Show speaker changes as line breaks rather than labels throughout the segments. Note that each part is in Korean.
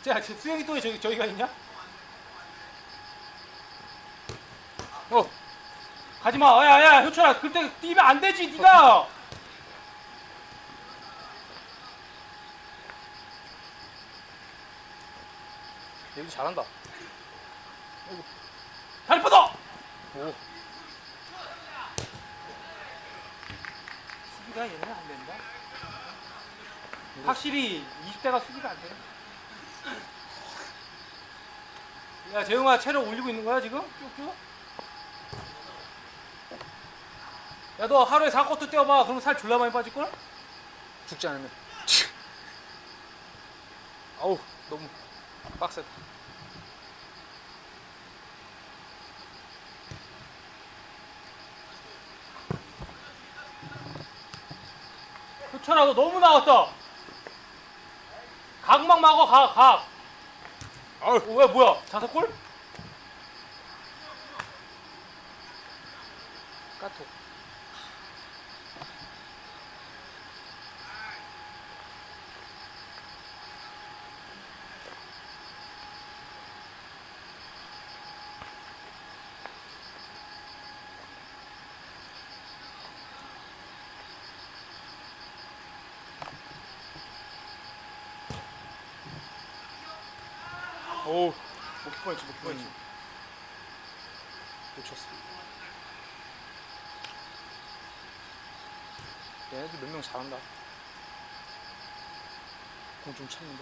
자, 수영이 또 저기가 있냐? 가지마. 야야 효철아, 그때 뛰면 안 되지 니가.
얘도 잘한다.
다리 뻗어.
오.
수비가 얘는 안 된다. 확실히 20대가 수비가 안 돼. 야 재웅아, 체력 올리고 있는 거야 지금? 쭉쭉? 야 너 하루에 4쿼터 뛰어봐. 그럼 살 졸라 많이 빠질걸?
죽지 않으면. 아우 너무 빡세다.
효철아 너 너무 나왔다. 각막 막어. 각.
아우
왜 뭐야? 자석골?
까톡. 오,
못 보였지.
놓쳤어. 얘네들 몇 명 잘한다. 공 좀 찼는데.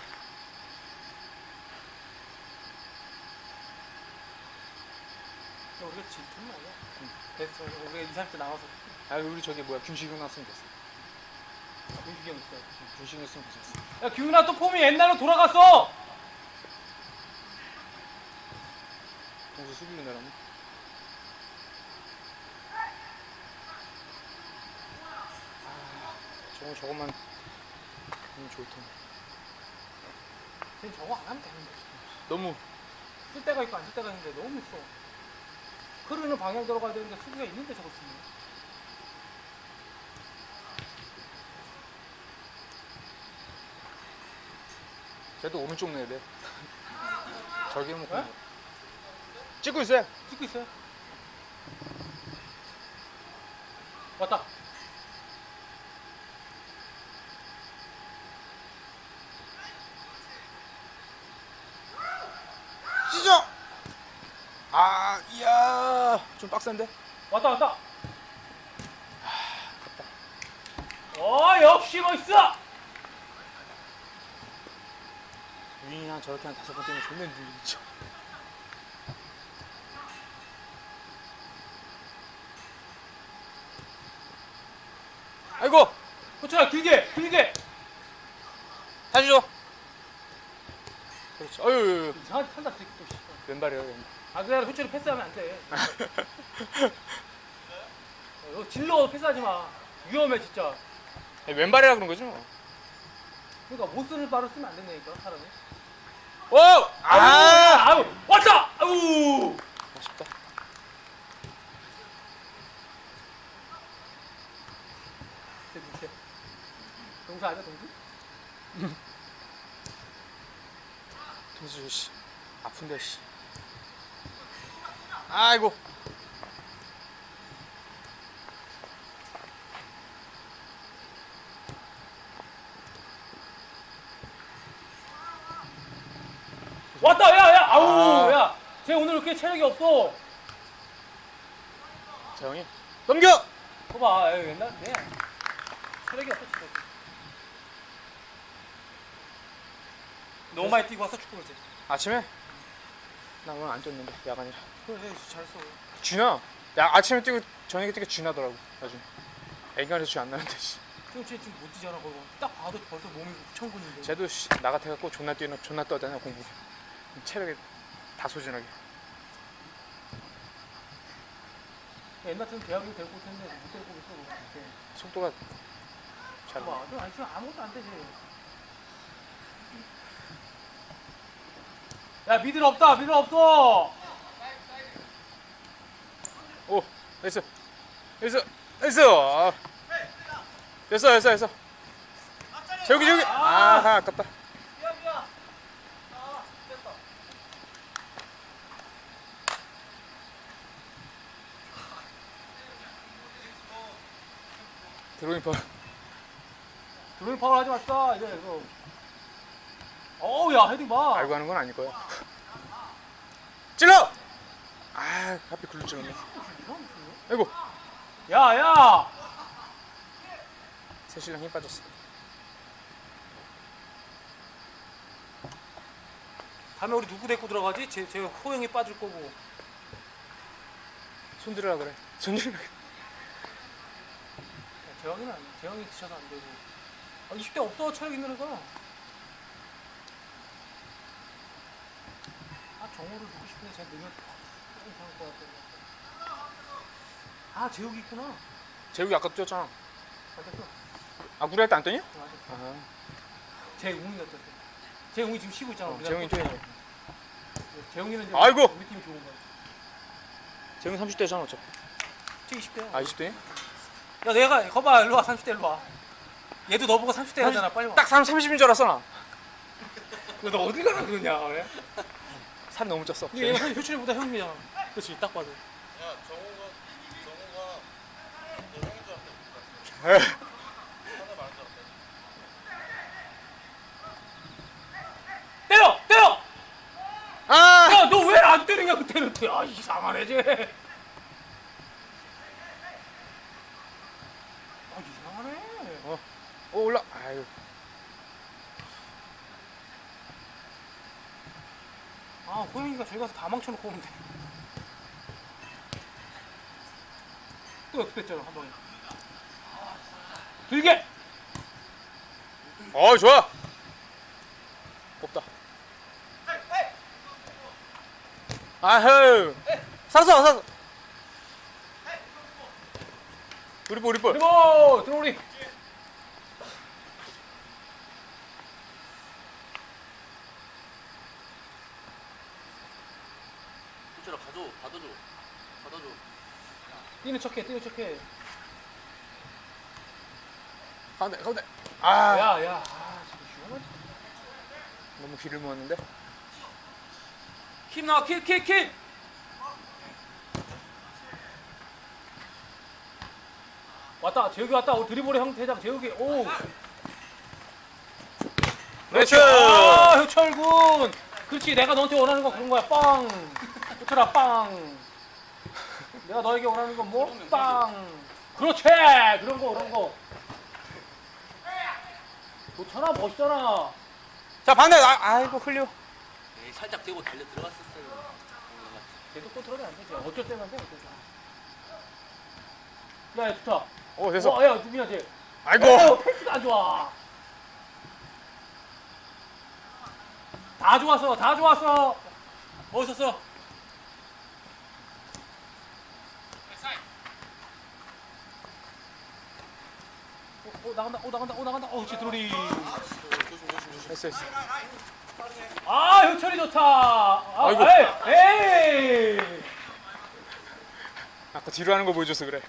우리가 질투는 아니야. 그래서 우리가 2, 30대 나와서
아 우리 저기 뭐야 균식이 났으면 됐어.
민식이 형 있어.
균식이 났으면 됐어.
야 규훈아 또 폼이 옛날로 돌아갔어.
동수 수비를 내라네. 저것만 하면 좋을 텐데.
쟤는 저거 안 하면 되는데.
너무
쓸 때가 있고 안 쓸 때가 있는데 너무 써. 흐르는 방향 들어가야 되는데 수비가 있는데 저거 쓰네.
쟤도 오른쪽 내야 돼. 저기 해놓고
네?
찍고 있어요.
찍고 있어요. 왔다.
찢어. 아, 이야, 좀 빡센데?
왔다. 역시 멋있어.
유인이랑 저렇게 한 5번 뛰면 존나 늘리죠. 아이고,
호철아 길게.
다시 줘. 그렇지. 어유,
이상하게 탄다 새끼 또. 씨발.
왼발이에요, 왼발.
아 그래 호철이 패스하면 안 돼. 질러 패스하지 마. 위험해 진짜.
왼발이라 그런 거죠?
그러니까 못 쓰는 발을 쓰면 안 된다니까 사람이.
오!
아우 왔다. 아우.
아쉽다.
밑에. 동수 아니야 동수?
동수 씨, 아픈데 씨. 아이고.
왔다 야 아우 야 쟤 오늘 왜 이렇게 체력이 없어.
재영이 넘겨.
봐봐 옛날에 체력이 없어 체력이. 너무 많이 뛰고 와서 축구 그러지.
아침에? 나 오늘 안 뛰었는데 야간이라.
그래 잘했어.
쥐나? 야 아침에 뛰고 저녁에 뛰고 쥐나더라고 나중에. 애간에서 쥐 안 나는데 씨.
그럼 쟤 지금 못 뛰잖아 그거. 딱 봐도 벌써 몸이 천근인데.
쟤도 씨, 나 같아갖고 존나 뛰는 존나 떠다녀 공부. 체력이 다 소진하게.
옛날 같은 대학을 데리고 올 텐데 못 데리고 있어. 이렇게.
속도가 잘.
봐봐 너 아니 지금 아무것도 안 되지. 야 미들 없다 미들 없어.
오 됐어 됐어. 됐어. 저기. 아 아깝다. 드로잉 파.
드로잉 파울 하지 맙시다. 이제 이거. 어우 야 헤딩 봐.
알고 하는 건 아닐 거야. 찔러! 아, 하필 글로 찔렀네. 아이고,
야야.
새신랑 힘 빠졌어.
다음에 우리 누구 데리고 들어가지? 제 호영이 빠질 거고.
손 들으라 그래. 손 들으라 그래.
재영이는 안 돼. 재영이 지쳐서 안 되고. 20대 없어 체력 있는 애가. 정우를 두고 싶은데 제가 넣으면 조금 이상할 것 같아. 재욱이 있구나.
재욱이 아까 뛰었잖아.
맞았어.
우리 할 때 안 뛰냐?
맞았어.
아,
재웅이 어땠어? 재웅이 지금 쉬고 있잖아.
재웅이 뛰네.
재웅이는 이제
아이고!
우리 팀이 좋은 거야.
재웅이 30대잖아 어차피.
쟤 20대야.
20대?
야 내가 거봐 일로 와 30대 일로 와. 얘도 너 보고 30대 하잖아 빨리 와.
딱 30인 줄 알았어 나.
너 어디 가라 그러냐 왜?
살 너무 쪘어.
얘 효철이보다 형이잖아. 그렇지 딱 봐도.
야, 정우가 너 형인 줄 알았다. 하나 말한 줄 알았다.
때려! 때려!
아!
야 너 왜 안 때리냐 그때는. 이상하네 쟤. 이상하네.
올라. 아유.
호영이가 저기 가서 다 망쳐놓고 오는데. 또 역습했잖아 한 번에. 길게!
좋아. 꼽다. 아흐. 샀어. 우리 볼.
그리고 들어오리.
효철아, 받아줘.
뛰는 척해.
가운데. 아.
야. 지금 위험하지.
너무 길을 모았는데.
킵 나와 킵. 왔다. 재욱이 왔다. 우리 드리블의 형태장 재욱이. 오.
그렇지.
효철군. 그렇지. 내가 너한테 원하는 거 그런 거야. 빵. 효철아 빵. 내가 너에게 원하는 건 뭐? 빵. 그렇지. 그런 거. 좋잖아. 멋있잖아.
자 반대. 아이고 흘려.
에이, 살짝 대고 달려 들어갔었어요.
계속 컨트롤이 안 되지. 어쩔 때만 돼. 야, 좋다.
됐어.
야, 누구야, 쟤?
아이고.
패스가 안 좋아. 다 좋았어. 멋있었어. 나간다. 그렇지, 드로리.
했어.
효철이 좋다.
아이고.
에이.
아까 뒤로 하는 거 보여줘서 그래.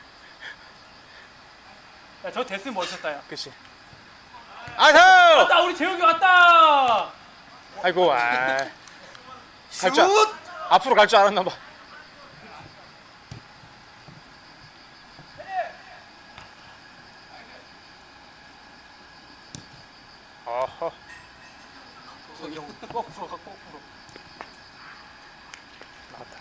야, 저 됐으면 멋있었다, 야.
그치. 아이고.
왔다, 우리 재욱이 왔다.
아이고. 갈 줄. 앞으로 갈 줄 알았나 봐. 어허.
거꾸로.
나갔다.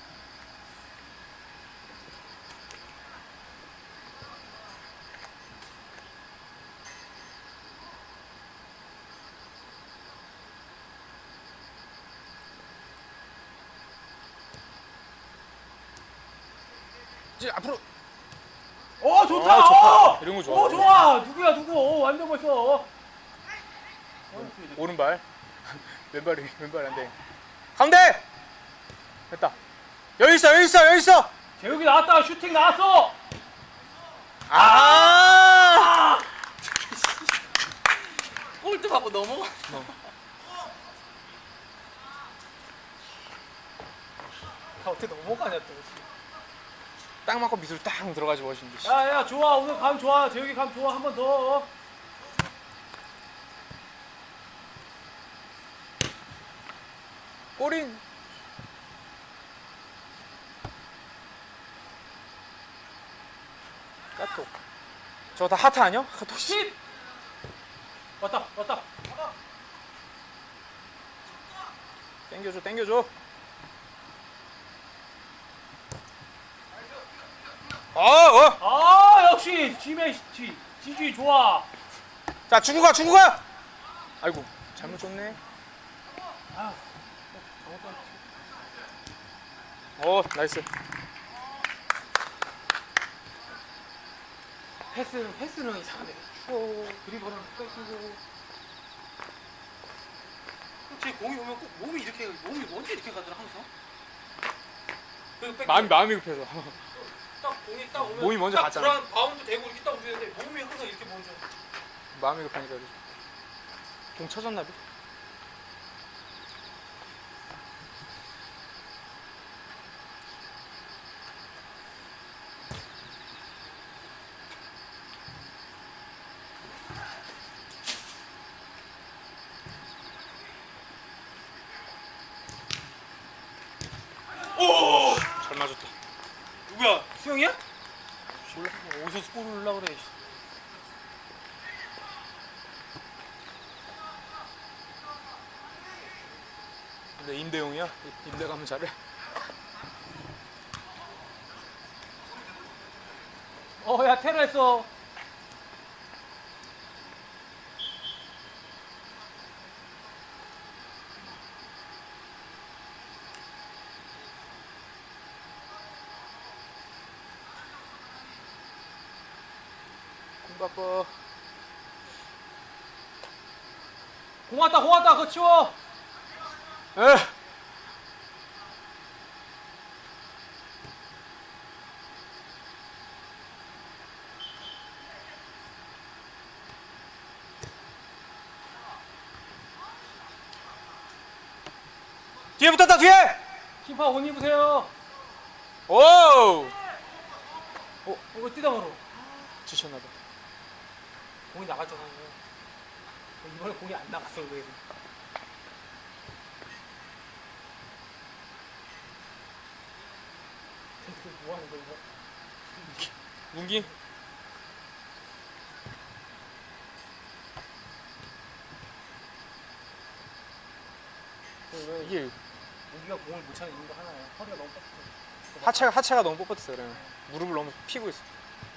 이제 앞으로.
좋다.
좋다. 이런 거 좋아.
좋아. 누구? 완전 멋있어.
오른발. 왼발 안 돼. 가운데. 됐다. 여기 있어.
재욱이 나왔다. 슈팅 나왔어.
골드 받고 넘어가.
어떻게 넘어가냐 또.
딱 맞고 미술 딱 들어가지 멋있는데.
야, 좋아. 오늘 감 좋아. 재욱이 감 좋아. 한 번 더.
꼬린. 까톡. 저거 다 하트 아니야? 하트 씨.
십. 왔다 왔다.
땡겨줘 땡겨줘.
아 역시 지주이 좋아.
자 주고 가 주고 가. 아이고 잘못 줬네.
아,
나이스.
패스는 이상하네. 추워. 드리블은 뺏기고. 제 공이 오면 꼭 몸이 언제 이렇게 가더라 항상. 그리고 뺏기고.
마음이 급해서.
딱 공이 딱 오면
몸이 먼저
딱
갔잖아.
불안 바운드 되고 이렇게 딱 움직이는데 몸이 항상 이렇게 먼저.
마음이 급하니까 그러지. 공 쳐졌나 봐.
오!
잘 맞았다.
누구야? 수영이야?
몰라.
어디서 골을 넣으려고 그래.
근데 임대용이야. 임대 가면 잘해.
야 테러 했어.
공 바꿔.
공 왔다 그거 치워.
에. 뒤에 붙었다 뒤에.
심판 옷 입으세요.
오.
이거 뛰다 걸어.
지쳤나봐.
공이 나갔잖아. 이번에 공이 안 나갔어 왜? 뭐 하는 거야 이거?
문기. 이게
우기가 공을 못 차는 이유가 하나야. 허리가 너무 뻗어.
하체가 너무 뻣뻣했어 그래. 무릎을 너무 피고 있어.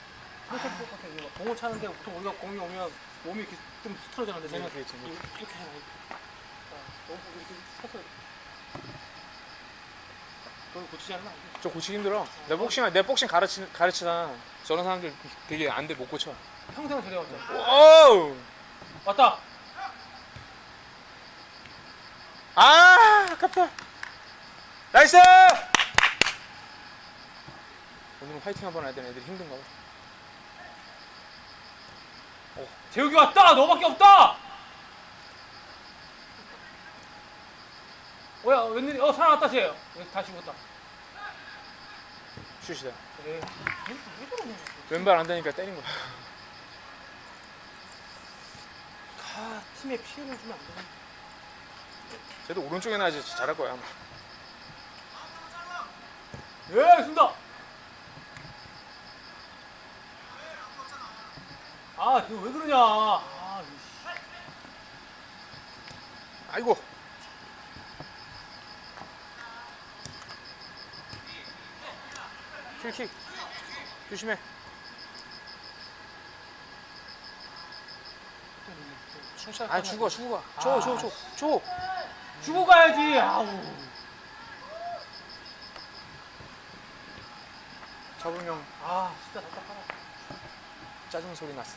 공을 차는데 보통 우리가 공이 오면 몸이 이렇게 좀 스트러지는데 쟤는
그렇지.
이렇게 해놔. 너무 이렇게 서서. 그걸 고치지 않으면 안 돼.
저 고치기 힘들어. 내 복싱 가르치다 저런 사람들 되게 안 돼 못 고쳐.
평생을 데려왔잖아.
오!
왔다.
아 아깝다. 나이스! 오늘은 화이팅 한번 해야 되는 애들이 힘든가 봐.
재욱이 왔다. 너밖에 없다. 뭐야 웬일이? 살아났다 쟤. 다시 죽었다.
슛이다.
왜 그러냐?
왼발 안 되니까 때린 거야.
팀에 피해를 주면 안 되나?
쟤도 오른쪽에 나야지 잘할 거야 아마.
예, 쓴다. 이거 왜 그러냐?
아이고. 킬킥. 조심해. 죽어. 줘.
주고 가야지. 아우.
잡으면
진짜 답답하다.
짜증 소리 났어.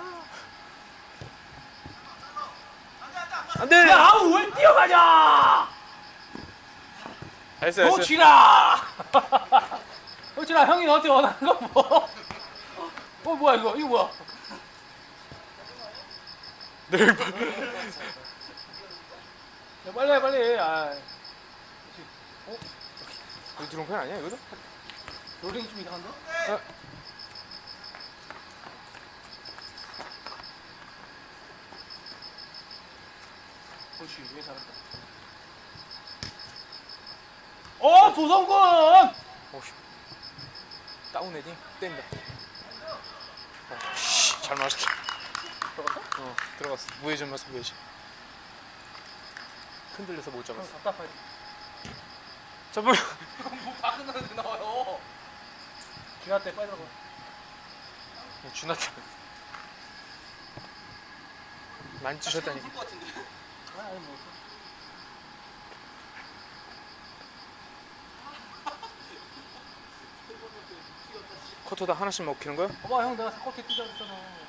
안 돼.
야, 왜 뛰어가냐?
나이스.
놓치라. 놓치라. 형이 너한테 원하는 거 뭐? 뭐야 이거? 이거 뭐야?
네.
야, 빨리 해, 빨리 해.
이거 들어온 편 아니야 이거도?
롤링이 좀 이상한데? 그렇지, 왜 잘한다. 조성근!
다운 헤딩 뗀다. 잘 맞았다.
들어갔어?
어, 들어갔어. 무회전 맞았어, 무회전. 흔들려서 못
형
잡았어.
답답하지.
저번
뭐 박은 사람들 나와요.
기아 때 빨리 들어가.
준하다. 많이 찌셨다니까.
것 같은데.
아니 뭐.
커터다 하나씩 먹히는 거야?
봐봐 형 내가 사코트 뛰자고 했잖아.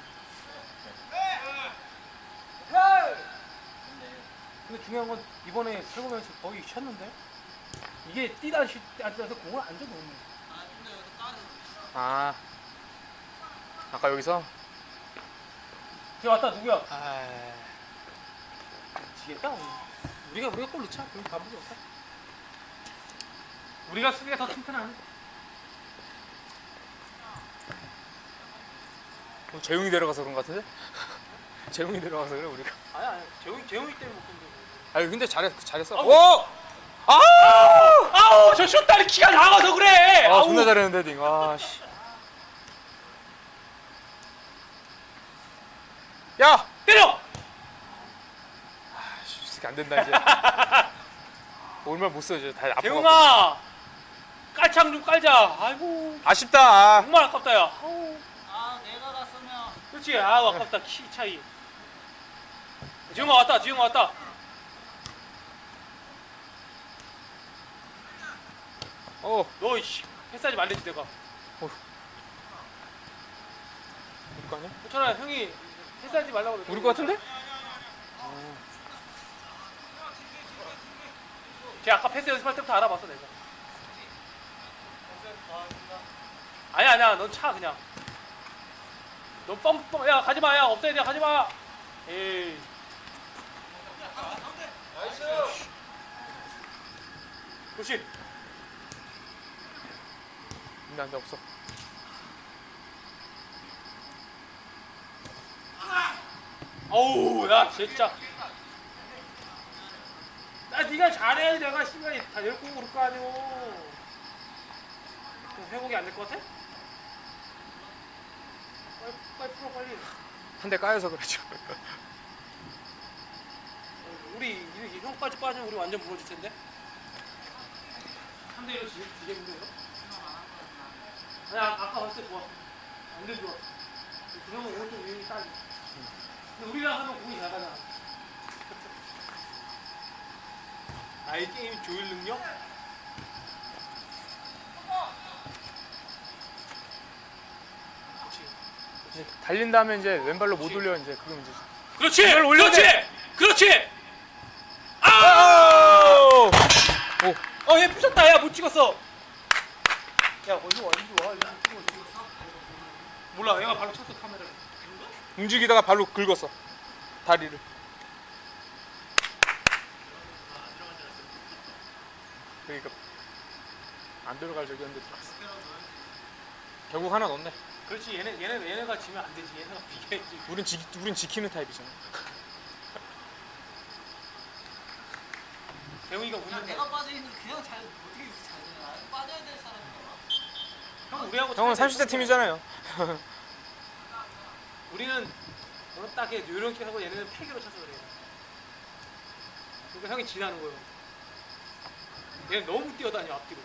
근데 중요한 건 이번에 8구명에서 거의 쉬었는데 이게 뛰다 앉아서 공을 안 줘도 없네.
아, 아까 여기서?
뒤에 왔다 누구야?
아,
지겠다 오늘. 우리가 골 넣자. 그럼 반복이 없다. 우리가 수비가 더 튼튼하네.
재웅이 데려가서 그런 거 같은데? 재웅이 데려가서 그래 우리가.
아니 재웅이 때문에 못 건데.
아니 근데 잘했어.
아우.
오!
아우 저 슛다리 키가 작아서 그래.
아,
아우.
존나 잘했는데 딩. 아, 씨. 야!
때려.
아, 씨, 이 새끼 안 된다 이제. 얼마 못 써 이제 다 아파.
재웅아 깔창 좀 깔자. 아이고
아쉽다.
정말 아깝다 야. 아우.
아 내가 갔으면.
그렇지. 아우 아깝다 키 차이. 지웅아 왔다. 지웅아 왔다. 너 이씨 패스하지 말랬지 내가.
우리 거 아니야?
호철아 형이 패스하지 말라고 그랬어.
우리 거 같은데?
걔 아까 패스 연습할 때부터 알아봤어 내가. 아니야 넌 차 그냥. 넌 뻥뻥 야 가지마 야 없어야 돼 가지마. 에이. 그렇지.
근데 안돼 없어.
어우 야 진짜. 나 네가 잘해 내가 시간이 다 열고 그럴 거 아니오. 회복이 안 될 것 같아? 빨리 풀어 빨리.
한 대 까여서 그랬죠.
우리 이 형까지 빠지면 우리 완전 무너질 텐데. 3대1로 지겠는데요? 아니 아까 봤을 때 좋아. 완전 좋아. 그 형은 오른쪽 위에 따지. 근데 우리가 하면 공이 잘 가잖아. 아이 게임 조율 능력? 그렇지.
달린 다음에 이제 왼발로 못 올려 이제 그럼 이제.
그렇지!
이걸 올려야
그렇지!
돼.
그렇지! 아!
오! 오!
얘 부셨다. 야, 못 찍었어. 야, 어디 와, 이리 와. 이리 찍어. 몰라, 얘가 바로 쳤어, 카메라를.
움직이다가 발로 긁었어. 다리를. 그러니까 안 들어갈 적이었는데 들어갔어. 결국 하나 넣었네.
그렇지, 얘네가 지면 안 되지. 얘네가 비겨야지.
우린 지키는 타입이잖아.
대웅이가
그냥
웃는데.
내가 빠져 있는 그냥 잘 어떻게 이렇게 잘 되냐. 빠져야 될 사람이야.
형, 우리하고
형은
차이가
30대
있어.
팀이잖아요.
우리는 오늘 딱 이렇게 하고 얘네는 패기로 쳐서 그래. 그러니까 형이 지나는 거예요. 얘는 너무 뛰어다녀, 앞뒤로.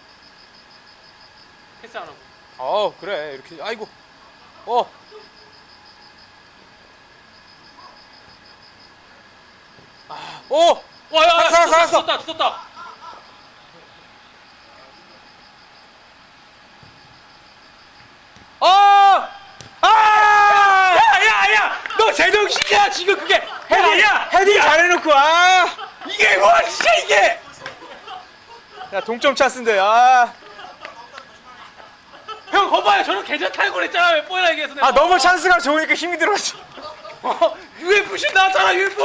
패스 안 하고.
그래 이렇게 아이고. 오!
와, 야,
살았어.
죽었다. 야! 너 제정신이야 지금 그게 헤딩이야!
헤딩 잘해놓고
이게 뭐야 진짜 이게!
야 동점 찬스인데
형 거봐요 저는 계좌 탈고 그랬잖아 몇 번이나 얘기해서 내가.
너무 찬스가 좋으니까 힘이 들어갔지.
UF 슛 나왔잖아 UF!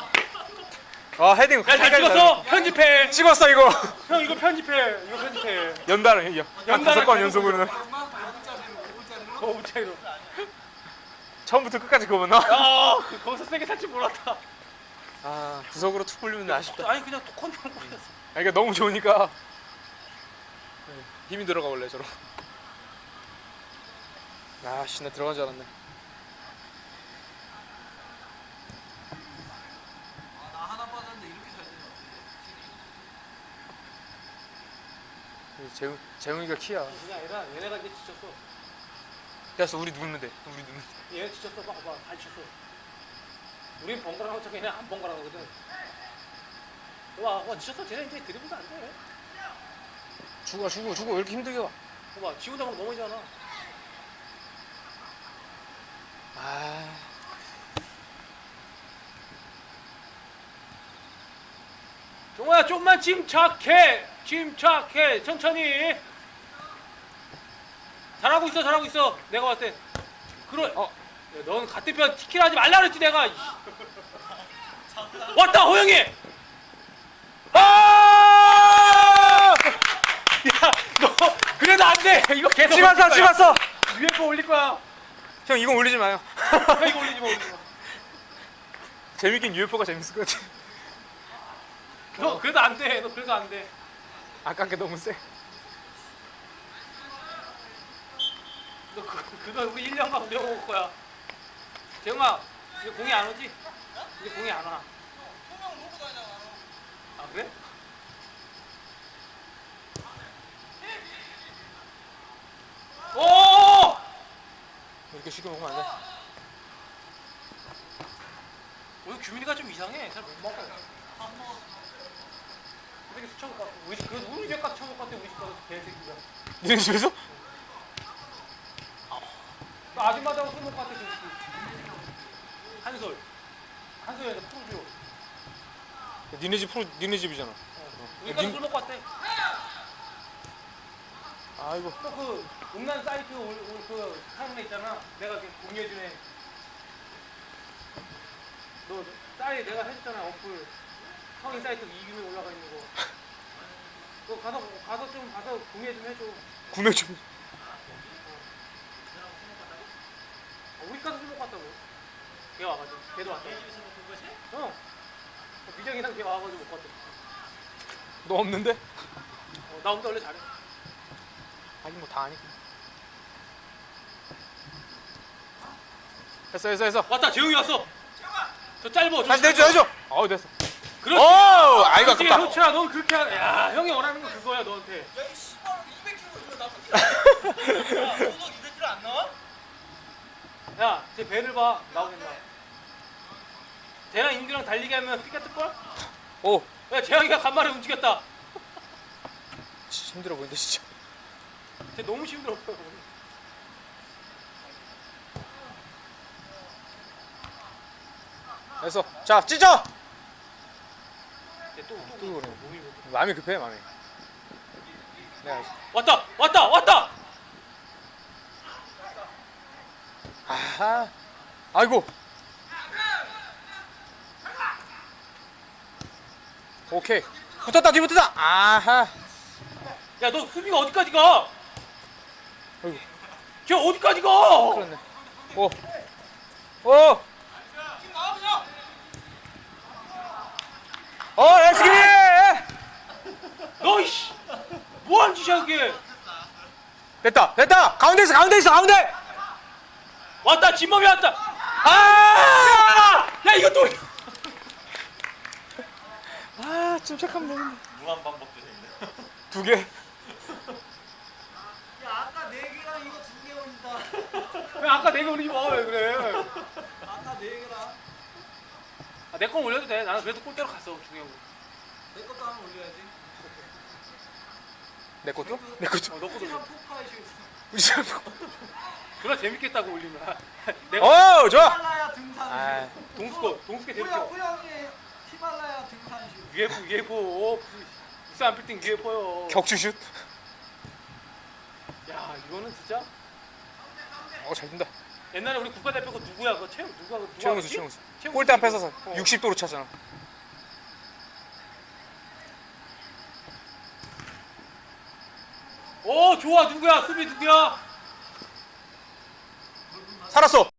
헤딩
야 잘 찍었어? 편집해.
찍었어 이거.
형 이거 편집해. 이거 편집해.
연달아 한
연달아
5번 연속으로는.
오 차이로.
처음부터 끝까지 그거 나.
거기서 세게 살줄 몰랐다.
구석으로 툭 불리면 아쉽다.
아니 그냥 톡컨트롤 꼴이었어.
이게 너무 좋으니까 힘이 들어가 원래 저러. 씨, 나 들어간 줄 알았네. 재웅이가 키야.
그게 아니라 얘네가 이제 지쳤어.
됐어, 우리 누르면 돼. 우리 누르면 돼.
얘네 지쳤어. 봐봐, 다 지쳤어. 우린 번갈아가고 저기 얘네 안 번갈아가거든. 와, 지쳤어. 쟤네 이제 드리블도 안 돼.
죽어 왜 이렇게 힘들게 와.
봐봐, 지 혼자 막 넘어지잖아.
아,
종호야, 좀만 침착해. 천천히. 잘하고 있어. 내가 봤을 때. 야, 넌 같은 편 티키를 하지 말라 그랬지 내가. 왔다, 호영이.
아!
야, 너 그래도 안 돼. 이거 계속
찝었어.
UFO 올릴 거야.
형 이건 올리지 마요.
야, 이거 올리지 마.
재밌긴 UFO가 재밌을 것 같아.
너 그래도 안 돼. 너 그래도 안 돼.
아깝게 너무 세.
너 그거 우리 1년간 배워올 거야. 재영아, 이제 공이 안 오지? 이제 공이 안 와.
소명 놓고 다니잖아.
아, 그래? 오!
이렇게 쉽게 먹으면 안 돼.
오늘 규민이가 좀 이상해. 잘 못 먹어. 되게 수쳐볼 것 같아. 우리 집 가서 쳐볼 것 같아. 우리 집 가서 개새끼가.
니네 집에서?
나 아줌마하고 술 먹을 것 같아. 지금. 한솔에서 프로듀오.
니네 집이잖아.
우리 가서 술 먹고 왔대.
아이고.
또 그 음란 사이트 그 하는 애 있잖아. 내가 그 공유해준 애. 너 사이트 내가 해줬잖아. 어플 성인 사이트 이름이 올라가 있는 거. 너 가서 좀 가서 구매 좀 해줘.
구매 좀.
우리 가서 술 먹고 왔다고. 걔 와가지고. 걔도 왔다.
집에서 먹은 거지?
어. 미정이랑 걔 와가지고 먹고 왔대.
너 없는데?
나 혼자 원래 잘해.
하긴 뭐 다 아니까. 했어.
왔다. 재웅이 왔어. 저 짧어.
다시 내줘. 어우 됐어.
그렇지.
오, 아이고
그렇지.
아깝다.
효철아, 넌 그렇게 야, 형이 원하는 거 그거야 너한테.
야, 이 씨발 200kg 이거 나쁘지? 야, 너도 200kg 안 나와?
야, 제 배를 봐. 나오겠나? 쟤랑 인규랑 달리기 하면 피가 뜰걸?
오,
야, 재영이가 간만에 움직였다.
진짜 힘들어 보인다 진짜.
쟤 너무 힘들어 보여.
됐어. 자, 찢어.
쟤또
그래.
몸이 뭐-
마음이 급해 마음이. 내가 알지.
왔다.
아하. 아이고. 오케이. 뒤붙었다. 아하.
야, 너 수비가 어디까지 가?
아이고.
쟤 어디까지 가?
그렇네. 오. 렛츠 기릿!
너 이씨, 뭐하는 짓이야 그게?
됐다. 가운데 있어.
왔다, 진범이 왔다. 야, 이거 또.
아, 침착하면 되는데.
무한 반복되네.
2개.
야, 아까 4개랑 이거 2개 올린다.
왜 아까 내가 올리지 마, 왜 그래?
아까 4개랑
내 건 올려도 돼. 나는 그래도 골대로 갔어, 중요한 거.
내 것도 한번 올려야지.
내 것도?
너 것도 올려.
포카이쇼.
우리 집.
그래 재밌겠다고 올리면.
오, 좋아.
히말라야 등산쇼.
아,
동숙이 재밌게.
호영이 히말라야 등산쇼.
UFO. 부산 빌딩 UFO요.
격추슛.
야, 이거는 진짜.
잘 든다.
옛날에 우리 국가대표 그 누구야? 그 누가
최영수. 골대 앞에 서서 60도로 차잖아.
오, 좋아. 누구야? 수비 누구야?
살았어.